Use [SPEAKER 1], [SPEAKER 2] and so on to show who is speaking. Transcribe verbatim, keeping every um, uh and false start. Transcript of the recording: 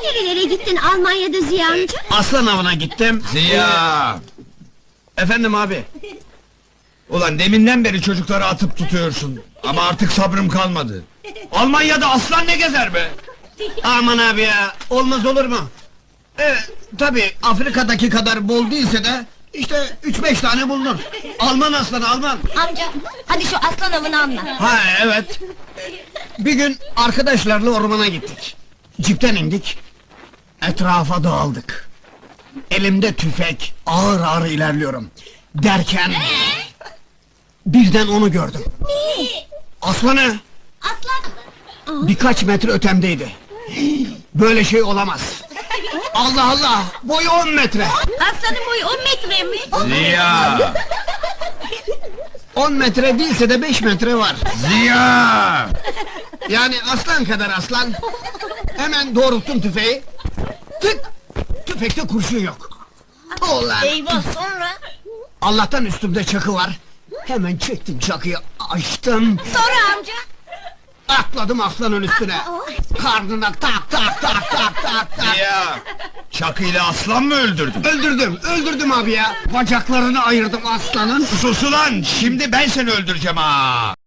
[SPEAKER 1] Nerelere gittin Almanya'da Ziya amca?
[SPEAKER 2] Aslan avına gittim.
[SPEAKER 3] Ziya!
[SPEAKER 2] Efendim abi.
[SPEAKER 3] Ulan deminden beri çocukları atıp tutuyorsun. Ama artık sabrım kalmadı. Almanya'da aslan ne gezer be?
[SPEAKER 2] Aman abi ya, olmaz olur mu? Ee, tabi Afrika'daki kadar bol değilse de işte üç beş tane bulunur. Alman aslanı, Alman.
[SPEAKER 1] Amca, hadi şu aslan avını anlat.
[SPEAKER 2] Ha evet. Bir gün arkadaşlarla ormana gittik. Cipten indik. Etrafa dağıldık. Elimde tüfek, ağır ağır ilerliyorum. Derken... birden onu gördüm. Aslanı!
[SPEAKER 1] Aslan!
[SPEAKER 2] Birkaç metre ötemdeydi. Böyle şey olamaz. Allah Allah! Boyu on metre!
[SPEAKER 1] Aslanın boyu on metre mi?
[SPEAKER 3] Ziya!
[SPEAKER 2] On metre değilse de beş metre var.
[SPEAKER 3] Ziya!
[SPEAKER 2] Yani aslan kadar aslan. Hemen doğrulttum tüfeği. Tık! Tüfekte kurşun yok. Ulan!
[SPEAKER 1] Eyvah, sonra?
[SPEAKER 2] Allah'tan üstümde çakı var. Hemen çektim çakıyı, açtım.
[SPEAKER 1] Sonra amca?
[SPEAKER 2] Atladım aslanın üstüne. Karnına tak tak tak tak tak tak.
[SPEAKER 3] Ziya! Çakıyla aslan mı öldürdün?
[SPEAKER 2] Öldürdüm, öldürdüm abi ya. Bacaklarını ayırdım aslanın.
[SPEAKER 3] Sus ulan! Şimdi ben seni öldüreceğim ha!